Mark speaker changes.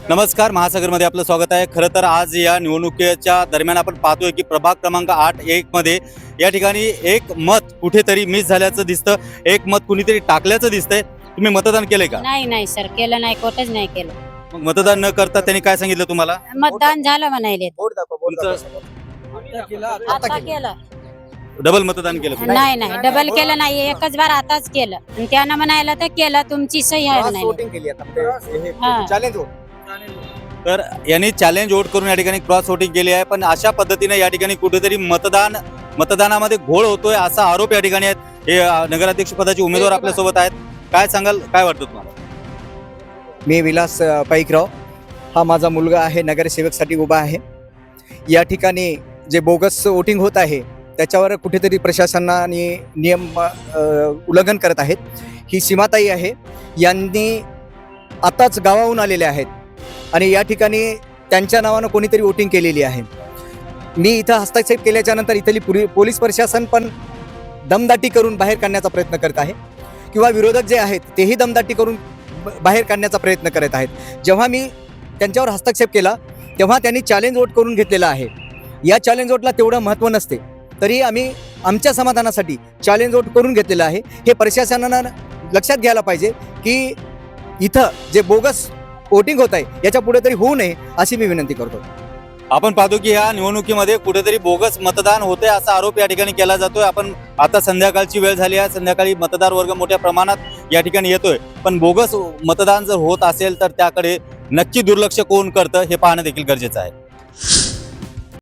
Speaker 1: नमस्कार, महासागरमध्ये आपलं स्वागत आहे। खरं तर आज या निवडणुकीच्या दरम्यान आपण पाहतोय की प्रभाग क्रमांक 8-1 मध्ये या ठिकाणी एक मत कुठेतरी मिस झाल्याचं दिसतं, एक मत कुणीतरी टाकल्याचं दिसतंय। तुम्ही मतदान केलंय का?
Speaker 2: नाही सर, केलं नाही, कोटच नाही केलं।
Speaker 1: मग मतदान न करता त्यांनी काय सांगितलं तुम्हाला?
Speaker 2: मतदान झालं म्हणायले,
Speaker 1: तुमचं
Speaker 2: आता केलं
Speaker 1: डबल मतदान केलं?
Speaker 2: नाही डबल केलं नाही, एकच बार आताच केलं आणि त्यानं म्हणायला तर केलं, तुमची सही आहे म्हणाले।
Speaker 3: चॅलेंज हो.
Speaker 1: तर यांनी चॅलेंज वोट करून या ठिकाणी क्रॉस वोटिंग केली आहे, पण अशा पद्धतीने या ठिकाणी कुठेतरी मतदानामध्ये घोळ होतोय असा आरोप या ठिकाणी आहेत। हे नगराध्यक्ष पदाचे उमेदवार आपल्या सोबत आहेत, काय सांगाल, काय वाटतं तुम्हाला?
Speaker 3: मी विलास पाईकराव, हा माझा मुलगा आहे, नगरसेवकसाठी उभा आहे। या ठिकाणी जे बोगस वोटिंग होत आहे त्याच्यावर कुठेतरी प्रशासनाने नियम उल्लंघन करत आहेत। ही सीमाताई आहे, यांनी आताच गावाहून आलेले आहेत आणि या ठिकाणी त्यांच्या नावानं कोणीतरी वोटिंग केलेली आहे। मी इथं हस्तक्षेप केल्याच्या नंतर इथली पोलीस प्रशासन पण दमदाटी करून बाहेर काढण्याचा प्रयत्न करत आहे, किंवा विरोधक जे आहेत तेही दमदाटी करून बाहेर काढण्याचा प्रयत्न करत आहेत। जेव्हा मी त्यांच्यावर हस्तक्षेप केला तेव्हा त्यांनी चॅलेंज वोट करून घेतलेला आहे। या चॅलेंज वोटला तेवढं महत्त्व नसते, तरी आम्ही आमच्या समाधानासाठी चॅलेंज वोट करून घेतलेलं आहे। हे प्रशासनानं लक्षात घ्यायला पाहिजे की इथं जे बोगस वोटिंग होत आहे याच्या पुढे तरी होऊ नये अशी मी विनंती करतो।
Speaker 1: आपण पाहतो की या निवडणुकीमध्ये कुठेतरी बोगस मतदान होते असा आरोप या ठिकाणी केला जातोय। आपण आता संध्याकाळची वेळ झाली आहे, संध्याकाळी मतदार वर्ग मोठ्या प्रमाणात या ठिकाणी येतोय, पण बोगस मतदान जर होत असेल तर त्याकडे नक्की दुर्लक्ष कोण करतं हे पाहणं देखील गरजेचं आहे।